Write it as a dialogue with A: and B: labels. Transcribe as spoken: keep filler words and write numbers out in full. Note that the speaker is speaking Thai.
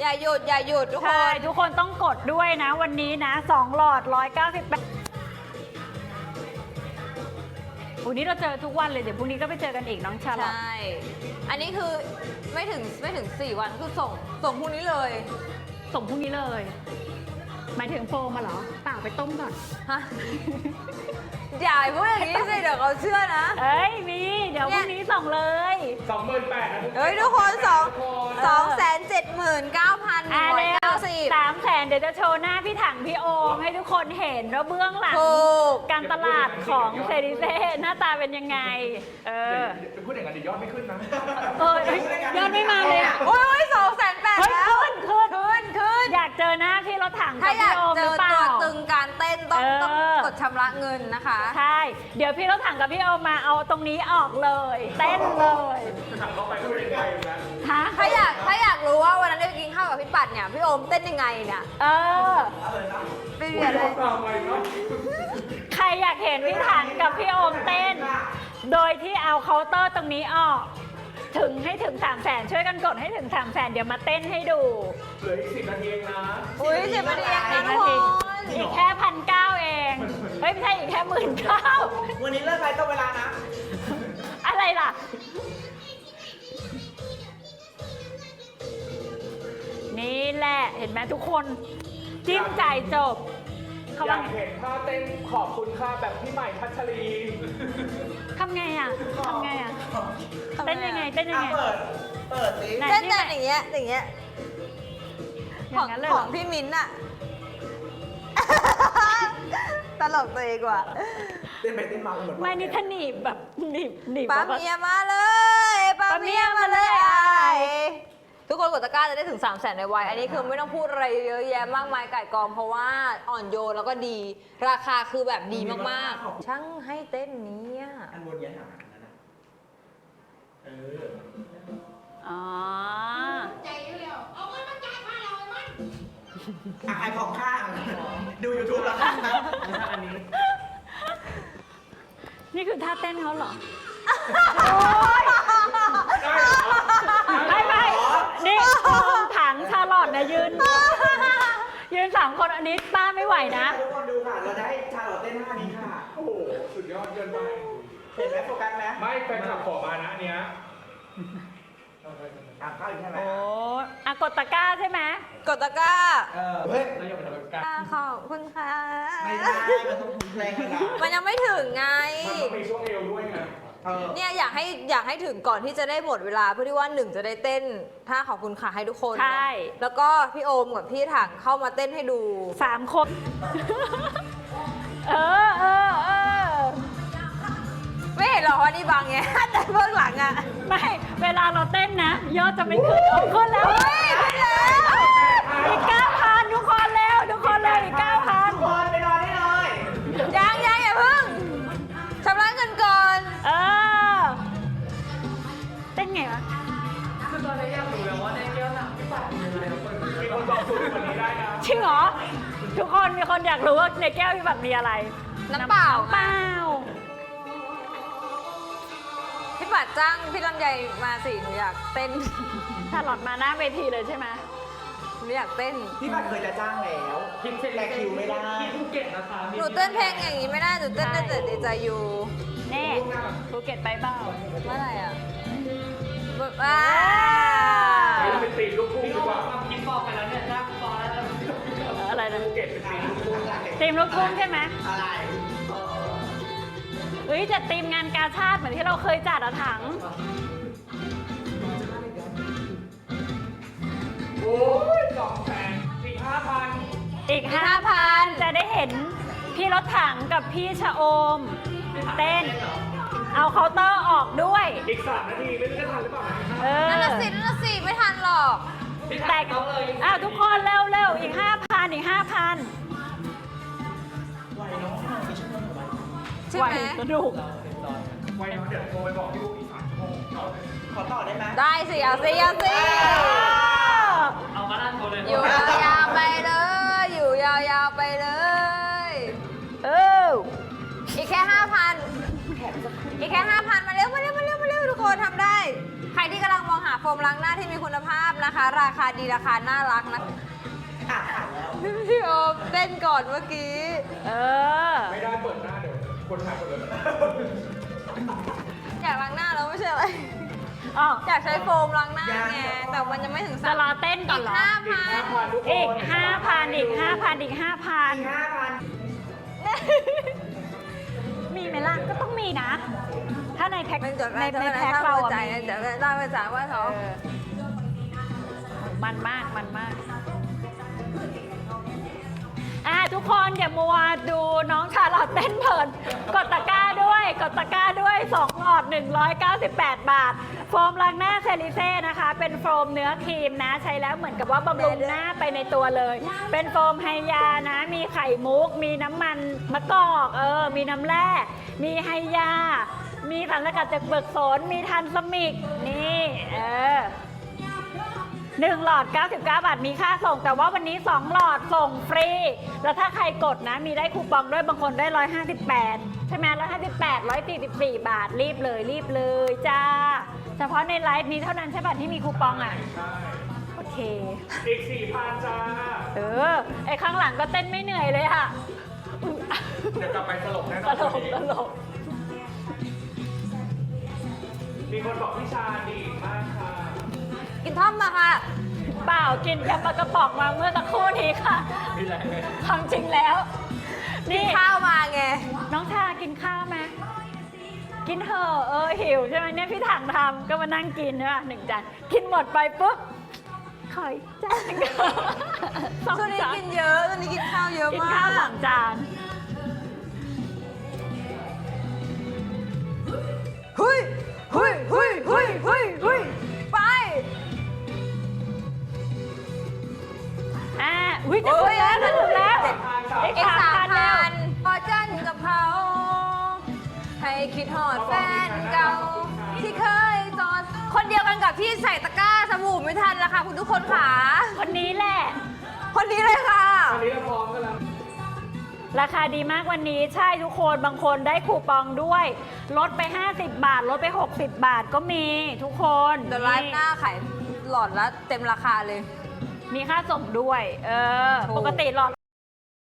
A: อย่าหยุดอย่าหยุดทุกคน
B: ทุกคนต้องกดด้วยนะวันนี้นะสองหลอดหนึ่งร้อยเก้าสิบแปดวันนี้เราเจอทุกวันเลยเดี๋ยวพรุ่งนี้ก็ไปเจอกันอีกน้องชาลอต
A: ใช่อันนี้คือไม่ถึงไม่ถึงสี่วันคือส่งส่งพรุ่งนี้เลย
B: ส่งพรุ่งนี้เลยหมายถึงโฟมมาเหรอเปล่าไปต้มก่อน
A: ฮะอย่าพูดอย่างนี้สิเดี๋ยวเขาเชื่อนะ
B: เอ้ยมีเดี๋ยวพรุ่งนี้ส่งเลย
C: สองหมื่นแปดนะทุกคน
A: เฮ้ยทุกคนสองสองแสนเจ็ดหมื่นเก้าพันหนึ่
B: อ่าง
A: ร้อย
B: เร็ว
A: เก้าสิบ
B: สามแสนเดี๋ยวจะโชว์หน้าพี่ถังพี่โอมให้ทุกคนเห็นว่าเบื้องหลัง
A: ถูก
B: การตลาดของเซริเซ่หน้าตาเป็นยังไง เออ
C: จะพูดอย่างนั้นเดี๋ยวยอดไม่ขึ้นนะ
B: เออยอดไม่มาเลยอ่ะ
A: โอ้ยสองแสนแปด
B: เฮ้ย
A: แล้ว
B: ขึ้นขึ้น
A: ขึ้นขึ้น
B: อยากเจอหน้าพี่รถถัง
A: ถ้า
B: กับ
A: อยาก
B: พี่โอม
A: เจ
B: หรือ
A: อ
B: เปล่า
A: ตัวตึงการเต้นต้อง
B: เออ
A: ต้องกดชำระเงินนะคะ
B: ใช่ เดี๋ยวพี่รถถังกับพี่โอมมาเอาตรงนี้ออกเลย เต้นเลย
C: ถามเขาไปก็ไม่ได้ไปนะ
B: ฮะ
A: ถ้าอยากถ้าอยากรู้ว่าวันนั้นได้ไปกินข้าวกับพี่ปัดเนี่ยพี่โอมเต้นยังไงเนี่ย
B: เออ
A: ไม่เรียนเลย
C: ตามไปเนาะ
B: ใครอยากเห็นพี่ถังกับพี่โอมเต้น โดยที่เอาเคาน์เตอร์ตรงนี้ออก ถึงให้ถึงสามแสนช่วยกันกดให้ถึงสามแสนเดี๋ยวมาเต้นให้ดู
C: เหลืออีกสิบนาทีเองนะ
A: อุ้ยเจ็บมาดีเองนะทุกคน
B: อีกแค่พันเก้าเอง เฮ้ยไม่ใช่อีกแค่หมื่นเก้า
D: วันนี้เลิกไปต้องเวลานะ
B: อะไรล่ะ นี่แหละเห็นไหมทุกคนจิ้มใจจบเขา
C: อ
B: ว่าย
C: ากเห็นท่าเต้นขอบคุณค่ะแบบพี่ใหม่พัชรี
B: ทำไงอ่ะทำไงอ่ะเต้นยังไงเต้นยังไง
D: เปิด เปิดสิ
B: ไหน
A: เต้นแต่อย่างเงี้ยอย่างเงี้ย
B: อ
A: ของ
B: ย่างนั้นเลย
A: ข
B: เหร
A: อง
B: อ
A: พี่มิ้นท์อะตลกตัวเองว่ะ
D: เต้นไปเต้นมาเหมือน
B: ไม่นี่ถ้าหนีบแบบหนีบหนีบ
A: ป้า
B: แบบว่า
A: เมียมาเลยป้าเมียมาเลย
B: ป้าเมียมาเลย
A: ไอ้ทุกคนกดตะกร้าจะได้ถึง3 0 0แสนในวัยอันนี้คือไม่ต้องพูดอะไรเยอะแยะมากมายไก่กองเพราะว่าอ่อนโยนแล้วก็ดี ราคาคือแบบดีมากๆ ช่างให้เต้นเนี้ย
D: อันบนเนี้ยหาอันนั้นนะเออ
B: อ๋อ
D: อ่ะขายของข้าง ดูยูทูบแล้วกันนะอันนี้
B: นี่คือท่าเต้นเขาเหรอ
C: ได้เหรอ
B: ไม่ไม่นี่โอมถังชาลอตนะยืน ยืนสามคนอันนี้ป้าไม่ไหวนะ
D: ทุกคนดูค่ะ เราจะให้ชาลอตเต้นท่านี้ค่ะ
C: โอ้โห สุดยอดเกินไป
D: เห็นไหมโฟกัสไหม
C: ไม่แฟนคลับขอมานะอันเนี้ย
D: อ่ะเข้าอีกใช่ไหม
B: โอ้อะกดตะกร้าใช่ไหม
A: กดตะกร้า
D: เออ เฮ้ย
C: แล้วยังไปทำแบบกัน
A: ขอบคุณค่ะ
D: ไม่ได้ มันต้องแรงขนาด
A: มันยังไม่ถึงไง
C: มันต้องมีช่วงเอวด้วยไง
D: เออ
A: เนี่ยอยากให้อยากให้ถึงก่อนที่จะได้หมดเวลาเพื่อที่ว่าหนึ่งจะได้เต้นท่าขอบคุณค่ะให้ทุกคน
B: ใช่
A: แล้วก็พี่โอมกับพี่ถังเข้ามาเต้นให้ดู
B: สามคน เออเออเออ
A: ไม่เห็นหรอว่านี่บางไง แต่เบื้องหลังอะ
B: ไม่ เวลาเราเต้นนะ ยอดจะไม่ขึ้นเอาขึ้นแล้ว
A: เฮ้ยขึ้นแล้ว
B: อีกเก้าพันทุกคนแล้วทุกคนเลยอีกเก้าพัน
D: ทุกคนไปนอนได้เลย
A: ยังยังอย่าเพิ่งชำระเงินก่อน
B: เออ เต้นไงวะ
C: มีคนบอกสูตรคนนี้ได้นะ
B: จริงเหรอ ทุกคนมีคนอยากรู้ว่าในแก้วพี่แบบมีอะไร
A: น้ำเปล่า
B: น้ำเปล่า
A: พี่ปัดจ้างพี่ลำไยมาสิหนูอยากเต้น
B: ถ้าหลอดมาหน้าเวทีเลยใช่ไหม
A: หนูอยากเต้น
D: พี่บัตรเคยจะจ้างแล้วแต่คิวไม่ได้
C: ที่ภูเก็ตนะคะ
A: หนูเต้นเพลงอย่างนี้ไม่ได้หนูเต้นได้แต่ดีใจอยู่
B: แน่ภูเก็ตไปเปล่า
A: เมื่อไหร่อะว้า
C: ไปเราเป็นตีมลูกทุ่งดีกว่า
B: เอออะไรนะ
C: ภูเก็ตเป็นตีมลูกทุ่ง
B: ทีมลูกทุ่งใช่ไหม
D: อะไร
B: เฮ้ยจัดทีมงานกาชาติเหมือนที่เราเคยจัดอะถัง
C: โอ้ยสองแสนสี่ห้าพัน
B: อีกห้าพันจะได้เห็นพี่รถถังกับพี่ชะโอม เต้น เอาเคาน์เตอร์ออกด้วย
C: อีกสามนาทีไม่รู้จะทันหรือเปล่านะ
B: เออ
A: นั่นน่ะสินั่นน่ะสิไม่ทันหรอก
B: แต่อ้าวทุกคนเร็วเร็วอีกห้าพันอีกห้าพัน
D: ไหวเนาะกี่ชั่วโมงของมัน
A: ใช่ไหม
B: สนุก
C: ไว้เนาะเดี๋ยวโทรไปบอกพี่ลูกอีกสามชั่วโมงเอา
D: ขอต่อได้ไหม
A: ได้สิเอาสิเอาสิ
C: เอามาด้านโทรเลย
A: อยู่ยาวๆไปเลย อยู่ยาวๆไปเลย
B: เออ
A: อีกแค่ห้าพันอีกแค่ห้าพันมาเร็วมาเร็วมาเร็วมาเร็วทุกคนทำได้ ใครที่กำลังมองหาโฟมล้างหน้าที่มีคุณภาพนะคะ ราคาดีราคาน่ารักนะ
D: อ่ะอ่านแล้ว
A: พี่โอมเต้นก่อนเมื่อกี้
B: เออ
C: ไม่ได้เปิดหน้าเดี๋ยวคนถ่ายคนเลย
A: อยากล้างหน้าแล้วไม่ใช่อะไร
B: อ๋อ
A: อยากใช้โฟมล้างหน้าไงแต่มันยังไม่ถึง
B: จะรอเต้นก่อนเหรอ
A: ห้า
C: อีก
A: พั
C: ห้าน พันทุกคน
B: อีกห้าพันอีกห้าพันอีกห้าพัน
D: ห้าพัน
B: มีไหมล่ะก็ต้องมีนะ ถ้าในแพ็ค
A: เป็นจด
B: ใน
A: ใน
B: ใน
A: แพ็
B: แพ็
A: ค
B: ค
A: เรา
B: เราอะ
A: ใจ
B: มี
A: เดี๋ยวเล่าไปจากว่าเขา
B: เออมันมากมันมากอ่ะทุกคนอย่ามัวดูน้องชาลอตเต้นเพลินกดตะกร้าด้วยกดตะกร้าด้วยสองหลอดหนึ่งร้อยเก้าสิบแปด บาท โฟมล้างหน้าเซริเซ่นะคะ เป็นโฟมเนื้อครีมนะ ใช้แล้วเหมือนกับว่าบำรุงหน้าไปในตัวเลย เป็นโฟมไฮยานะ มีไข่มุก มีน้ำมันมะกอกเออมีน้ำแร่มีไฮยา มีสารสกัดจากเบิกโสนมีทันสมิกนี่เออหนึ่งหลอด เก้าสิบเก้า บาท มีค่าส่ง แต่ว่าวันนี้ สอง หลอดส่งฟรี แล้วถ้าใครกดนะ มีได้คูปองด้วยบางคนได้ หนึ่งร้อยห้าสิบแปด ใช่ไหมหนึ่งร้อยห้าสิบแปด หนึ่งร้อยสี่สิบสี่ บาท รีบเลยรีบเลยจ้า เฉพาะในไลฟ์นี้เท่านั้นใช่ป่ะที่มีคูปองอ่ะ
C: ใช่
B: โอเค
C: อีกสี่พันจ้า
B: เออ ไอ้ข้างหลังก็เต้นไม่เหนื่อยเลยค่ะอุ๊ย
C: เดี๋ยวกลับไปตลกแน่น
B: ต
C: อน
B: ล
C: วัน
B: ก
C: นี้
B: ตลก
C: มีคนบอกพี่ชาดีมากค่ะ
A: กินท่อมมาค่ะ
B: เปล่ากินยำปลากระป๋องมาเมื่อสักครู่นี้ค่ะ
C: มีแรงเลย
B: ความจริงแล้ว นี่
A: ข้าวมาไง
B: น้องชากินข้าวไหมกินเถอะเออหิวใช่ไหมเนี่ยพี่ถังทำก็มานั่งกินใช่ป่ะหนึ่งจานกินหมดไปปุ๊บขออีกจานหนึ่งสอง
A: ช่วงนี้
B: จาน
A: กินเยอะช่วงนี้กินข้าวเยอะ
B: กิน
A: มา
B: ข้าวส
A: ก
B: องจาน
A: เฮ้ยเฮ้ยเฮ้ยเฮ้ยเฮ้ยเฮ้ยไป
B: อ่าอุ้ยจะถึงแล้วจะถึงแล้ว
A: เจ็ด
B: อีก
A: อีก
B: สาม
A: สาม
B: พันแล้
A: พั
B: วน
A: พอจันกับเขาให้คิดหอดแฟนเก่า ที่เคยจอดคนเดียวกันกับที่ใส่ตะกร้าสบู่ไม่ทันละค่ะคุณทุกคนค่ะ
B: คนนี้แหละ
A: คนนี้เลยค่ะ
C: ตอนนี้เราพร้อมกันแล้ว
B: ราคาดีมากวันนี้ใช่ทุกคนบางคนได้คูปองด้วย ลดไป ห้าสิบบาท ลดไป หกสิบบาทก็มีทุกคน
A: เดี๋ยวไลฟ์หน้าขายหลอดละเต็มราคาเลย
B: มีค่าส่งด้วย เออ
A: ถูก
B: ปกติหลอด